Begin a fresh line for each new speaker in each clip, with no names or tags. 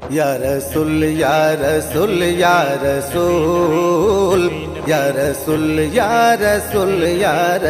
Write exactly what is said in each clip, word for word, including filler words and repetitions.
या रसूल या रसूल या रसूल या रसूल या रसूल या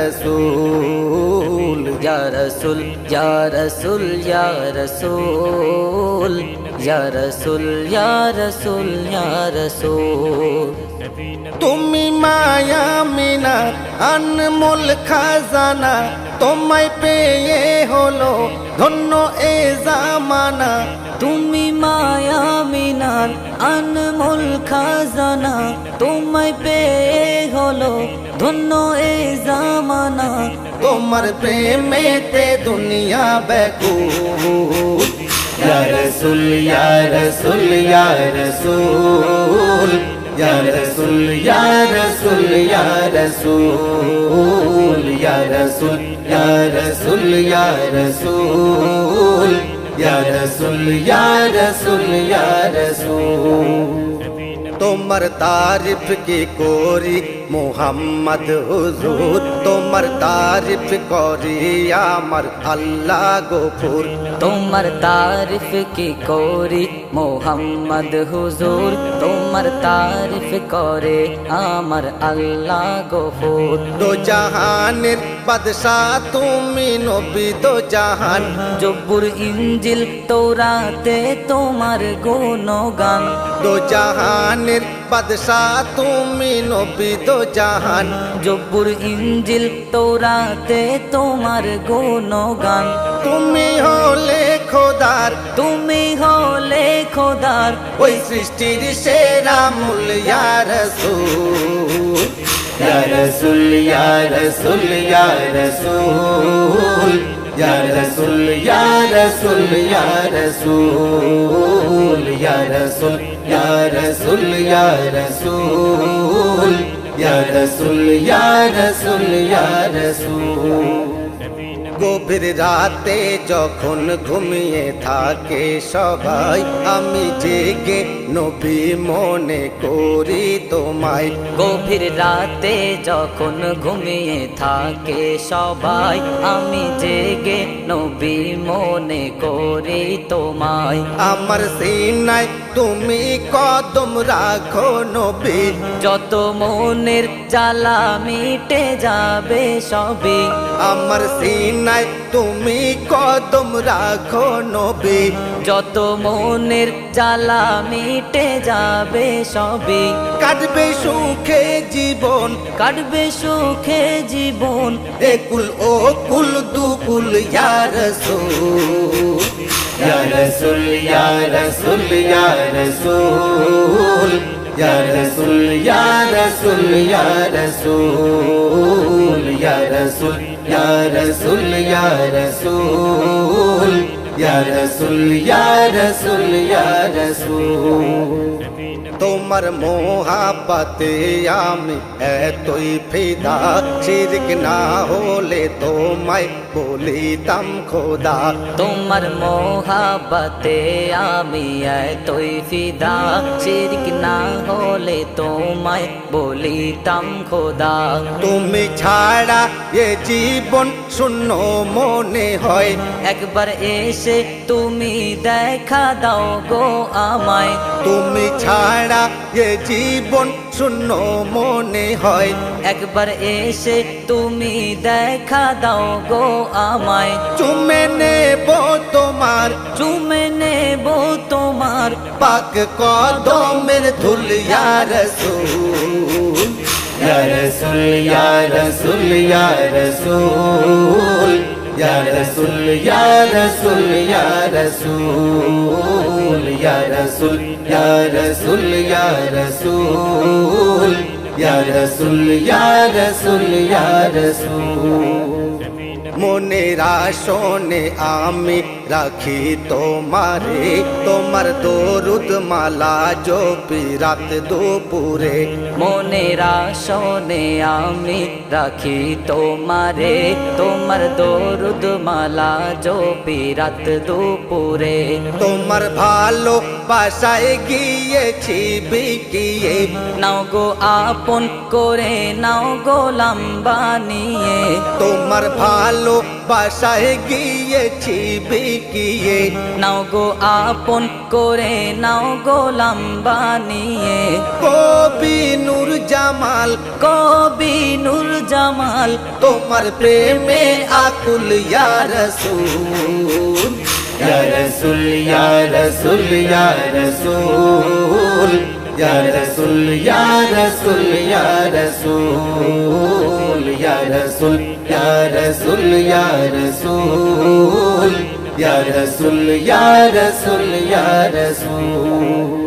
रसूल
या रसूल या रसूल या रसूल या रसूल या रसूल या रसूल
তুমি মায়া মিনা আনমোল খাজানা তোমায় পেয়ে হলো ধন্য এ জামানা
তুমি মায়া মিনার আনমোল খাজানা তোমায় পেয়ে হলো ধন্য এ জামানা
তোমার প্রেমেতে দুনিয়া ব্যাকুল ইয়া রাসূল ইয়া রাসূল ইয়া রাসূল ইয়া রাসূল ইয়া রাসূল ইয়া রাসূল ইয়া রাসূল ইয়া রাসূল ইয়া রাসূল ইয়া রাসূল ইয়া রাসূল ইয়া রাসূল তোমার তারিফ কি করি মোহাম্মদ হুজুর তোমার তারিফ করি আমার আল্লাহ গফুর
তোমার তারিফ কি করি মোহাম্মদ হুজুর তোমার তারিফ করে আমার আল্লাহ গফুর
দো জাহানের বাদশাহ তুমি নবী দো জাহান
জব্বুর ইনজিল তৌরাতে তোমার গুণগান
দো জাহানের বাদশাহ তুমি নবী দো জাহান
জব্বুর ইনজিল তৌরাতে তোমার গুণগান
তুমি হলে খোদার
তুমি হলে খোদার
ওই সৃষ্টির সেরা মূল ইয়া রাসূল ইয়া রাসূল ইয়া রাসূল ইয়া রাসূল ইয়া রাসূল ইয়া রাসূল ইয়া রাসূল ইয়া রাসূল ইয়া রাসূল ইয়া রাসূল ইয়া রাসূল ইয়া রাসূল ইয়া রাসূল গভীর রাতে যখন ঘুমিয়ে থাকে সবাই আমি জেগে নবী মনে করি তোমায়
গভীর রাতে যখন ঘুমিয়ে থাকে সবাই আমি জেগে নবী মনে করি তোমায়
আমার সিনায় তুমি কদম রাখো নবী
যত মনের জ্বালা মিটে যাবে সবই
আমার সিনায় তুমি কদম রাখো নবী
যত মনের জ্বালা মিটে যাবে সবই
কাটবে সুখে জীবন
কাটবে সুখে জীবন
একুল ও কুল দুকুল ইয়া রাসূল ইয়া রাসূল ইয়া রাসূল ইয়া রাসূল ইয়া রাসূল ইয়া রাসূল ইয়া রাসূল ইয়া রাসূল ইয়া রাসূল ইয়া রাসূল ইয়া রাসূল ইয়া রাসূল ইয়া রাসূল তোমার মোহাব্বতে আমি এতই ফিদা শিরক না হলে তোমায় বলিতাম খোদা
তোমার মোহাব্বতে আমি এতই ফিদা শিরক না হলে তোমায় বলিতাম খোদা
তুমি ছাড়া এ জীবন শূন্য মনে হয়
একবার এসে তুমি দেখা দাও গো আমায়
তুমি ছাড়া এ জীবন শূন্য মনে হয়
একবার এসে তুমি দেখা দাও গো আমায়
চুমে নেব তোমার
চুমে নেব তোমার
পাক কদমের ধুল ইয়া রাসূল ইয়া রাসূল ইয়া রাসূল ইয়া রাসূল ইয়া রাসূল ইয়া রাসূল ইয়া রাসূল ইয়া রাসূল ইয়া রাসূল ইয়া রাসূল ইয়া রাসূল ইয়া রাসূল ইয়া রাসূল মনের আসনে আমি রাখি তোমারে তোমার দরুদ মালা জপি রাত দুপুরে
মনের আসনে আমি রাখি তোমারে তোমার দরুদ মালা জপি রাত দুপুরে
তোমার ভালো বাসায় গিয়েছি বিকিয়ে,
নাও গো আপন করে নাও গোলাম বানিয়ে,
তোমার ভালো বাসায় গিয়েছি বিকিয়ে,
নাও গো আপন করে নাও গোলাম বানিয়ে।
কবি নূর জামাল
কবি নূর জামাল
তোমার প্রেমে আকুল ইয়া রাসূল, ইয়া রাসূল ইয়া রাসূল ইয়া রাসূল, ইয়া রাসূল ইয়া রাসূল ইয়া রাসূল, ইয়া রাসূল ইয়া রাসূল ইয়া রাসূল, ইয়া রাসূল ইয়া রাসূল ইয়া রাসূল।